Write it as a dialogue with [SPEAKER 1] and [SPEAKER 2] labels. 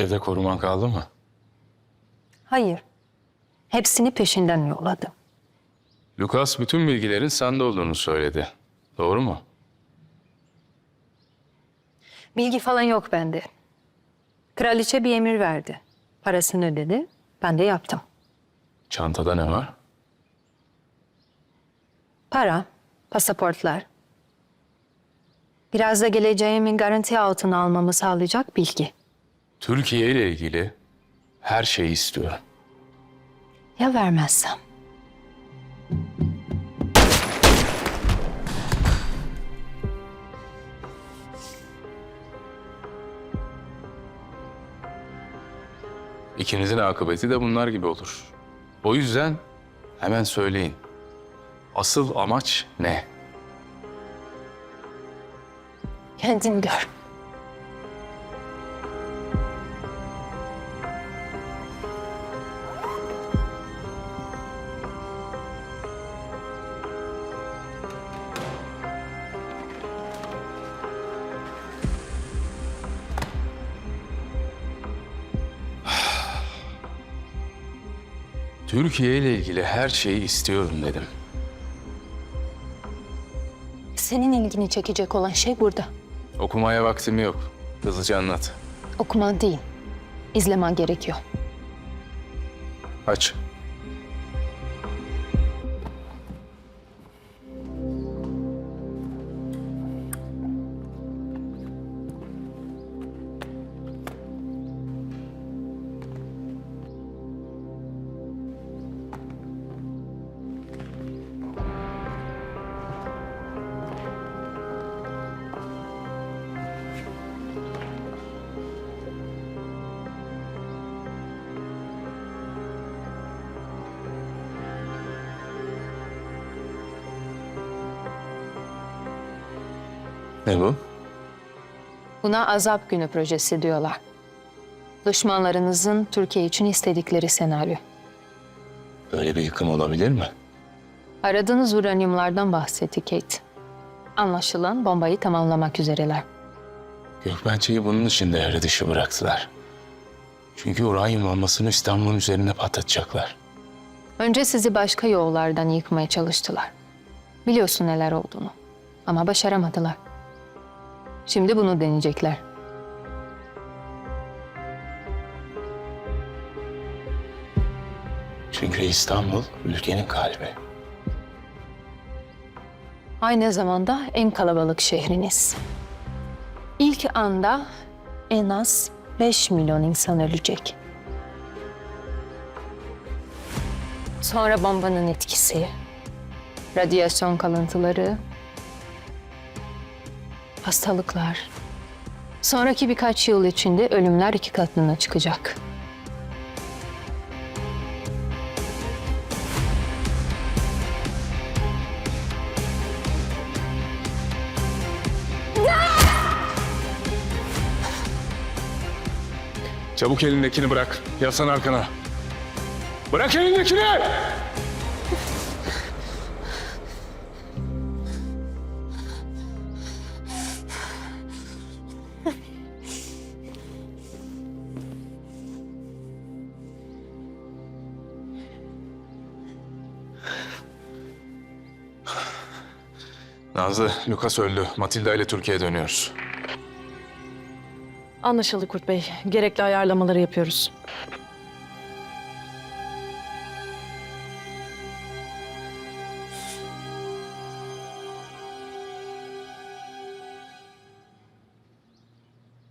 [SPEAKER 1] Evde koruman kaldı mı?
[SPEAKER 2] Hayır. Hepsini peşinden yolladım.
[SPEAKER 1] Lucas bütün bilgilerin sende olduğunu söyledi. Doğru mu?
[SPEAKER 2] Bilgi falan yok bende. Kraliçe bir emir verdi. Parasını ödedi. Ben de yaptım.
[SPEAKER 1] Çantada ne var?
[SPEAKER 2] Para, pasaportlar. Biraz da geleceğimin garanti altına almamı sağlayacak bilgi.
[SPEAKER 1] Türkiye ile ilgili her şeyi istiyorum.
[SPEAKER 2] Ya vermezsem?
[SPEAKER 1] İkinizin akıbeti de bunlar gibi olur. O yüzden hemen söyleyin. Asıl amaç ne?
[SPEAKER 2] Kendin gör.
[SPEAKER 1] Türkiye ile ilgili her şeyi istiyorum dedim.
[SPEAKER 2] Senin ilgini çekecek olan şey burada.
[SPEAKER 1] Okumaya vaktim yok. Hızlıca anlat.
[SPEAKER 2] Okuman değil, izlemen gerekiyor.
[SPEAKER 1] Aç. Ne bu?
[SPEAKER 2] Buna Azap Günü projesi diyorlar. Düşmanlarınızın Türkiye için istedikleri senaryo.
[SPEAKER 1] Böyle bir yıkım olabilir mi?
[SPEAKER 2] Aradığınız uranyumlardan bahsetti Kate. Anlaşılan bombayı tamamlamak üzereler.
[SPEAKER 1] Gökbençe'yi bunun için devre dışı bıraktılar. Çünkü uranyum bombasını İstanbul'un üzerine patlatacaklar.
[SPEAKER 2] Önce sizi başka yollardan yıkmaya çalıştılar. Biliyorsun neler olduğunu. Ama başaramadılar. Şimdi bunu deneyecekler.
[SPEAKER 1] Çünkü İstanbul ülkenin kalbi.
[SPEAKER 2] Aynı zamanda en kalabalık şehriniz. İlk anda en az 5 milyon insan ölecek. Sonra bombanın etkisi, radyasyon kalıntıları, hastalıklar. Sonraki birkaç yıl içinde ölümler 2 katına çıkacak.
[SPEAKER 1] Çabuk elindekini bırak. Yaslan arkana. Bırak elindekini! Nazlı, Lucas öldü. Matilda ile Türkiye'ye dönüyoruz.
[SPEAKER 3] Anlaşıldı Kurt Bey. Gerekli ayarlamaları yapıyoruz.